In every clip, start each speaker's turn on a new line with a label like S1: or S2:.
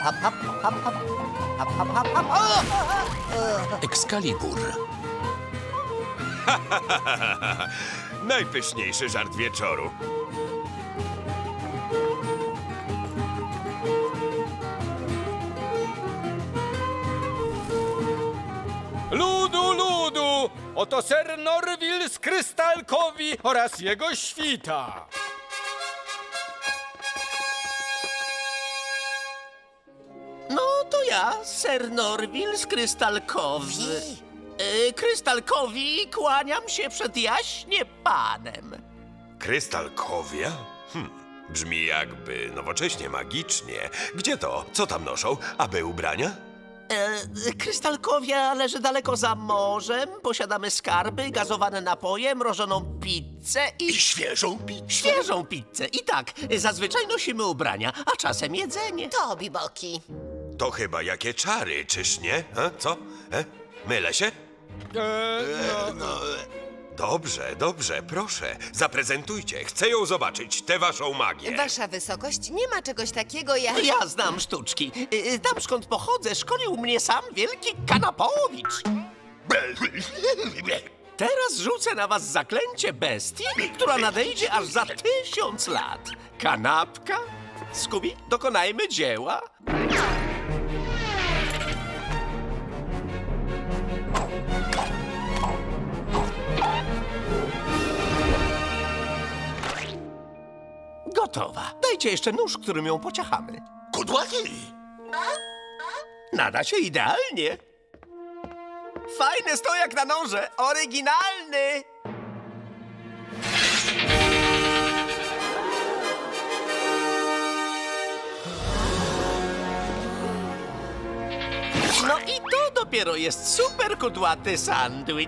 S1: hap, hap, hap, hap. Hap, hap, hap, hap.
S2: Excalibur.
S3: Najpyszniejszy żart wieczoru.
S4: Ludu, ludu! Oto ser Norwil z Krystalkowi oraz jego świta.
S1: No to ja, Ser Norwil z Krystalkowi. Krystalkowi kłaniam się przed jaśnie panem.
S3: Krystalkowia? Brzmi jakby nowocześnie, magicznie. Gdzie to? Co tam noszą? Aby ubrania?
S1: Krystalkowia leży daleko za morzem. Posiadamy skarby, gazowane napoje, mrożoną pizzę i
S3: Świeżą pizzę.
S1: świeżą pizzę. I tak, zazwyczaj nosimy ubrania, a czasem jedzenie.
S5: To, Biboki.
S3: To chyba jakie czary, czyż nie? Co? Mylę się? Dobrze, dobrze, proszę. Zaprezentujcie. Chcę ją zobaczyć, tę waszą magię.
S5: Wasza wysokość, nie ma czegoś takiego jak...
S1: Ja znam sztuczki. Tam skąd pochodzę, szkolił mnie sam wielki Kanapowicz. Teraz rzucę na was zaklęcie bestii, która nadejdzie aż za 1000 lat. Kanapka? Skubi, dokonajmy dzieła. Gotowa. Dajcie jeszcze nóż, którym ją pociachamy.
S3: Kudłaty!
S1: Nada się idealnie. Fajny stojak na noże, oryginalny. No i to dopiero jest super kudłaty sandwich.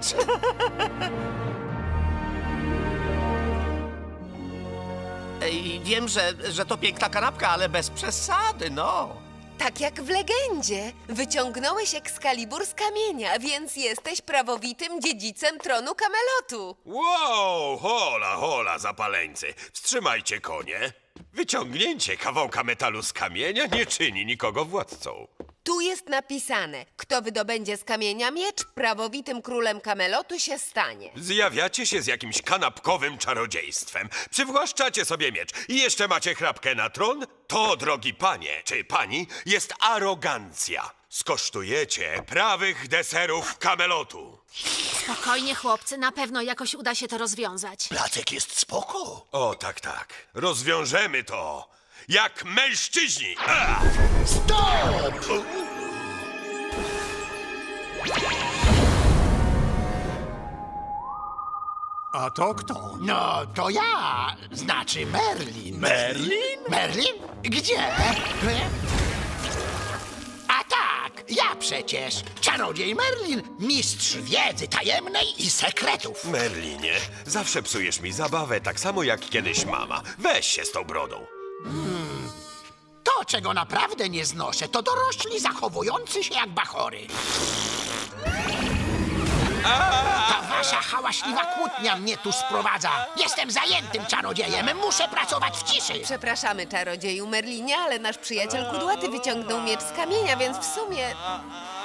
S1: Ej, wiem, że to piękna kanapka, ale bez przesady, no.
S5: Tak jak w legendzie. Wyciągnąłeś Excalibur z kamienia, więc jesteś prawowitym dziedzicem tronu Kamelotu.
S3: Wow, hola, hola, zapaleńcy. Wstrzymajcie konie. Wyciągnięcie kawałka metalu z kamienia nie czyni nikogo władcą.
S5: Tu jest napisane, kto wydobędzie z kamienia miecz, prawowitym królem Kamelotu się stanie.
S3: Zjawiacie się z jakimś kanapkowym czarodziejstwem. Przywłaszczacie sobie miecz i jeszcze macie chrapkę na tron? To, drogi panie czy pani, jest arogancja. Skosztujecie prawych deserów Kamelotu.
S6: Spokojnie, chłopcy, na pewno jakoś uda się to rozwiązać.
S3: Placek jest spoko. O, tak, tak. Rozwiążemy to. Jak mężczyźni. Stop!
S7: A to kto? No, to ja, znaczy Merlin.
S3: Merlin?
S7: Merlin? Gdzie? A tak, ja przecież, czarodziej Merlin, mistrz wiedzy tajemnej i sekretów.
S3: Merlinie, zawsze psujesz mi zabawę tak samo jak kiedyś mama. Weź się z tą brodą.
S7: To, czego naprawdę nie znoszę, to dorośli zachowujący się jak bachory. Ta wasza hałaśliwa kłótnia mnie tu sprowadza. Jestem zajętym czarodziejem, muszę pracować w ciszy.
S5: Przepraszamy, czarodzieju Merlinie, ale nasz przyjaciel Kudłaty wyciągnął miecz z kamienia, więc w sumie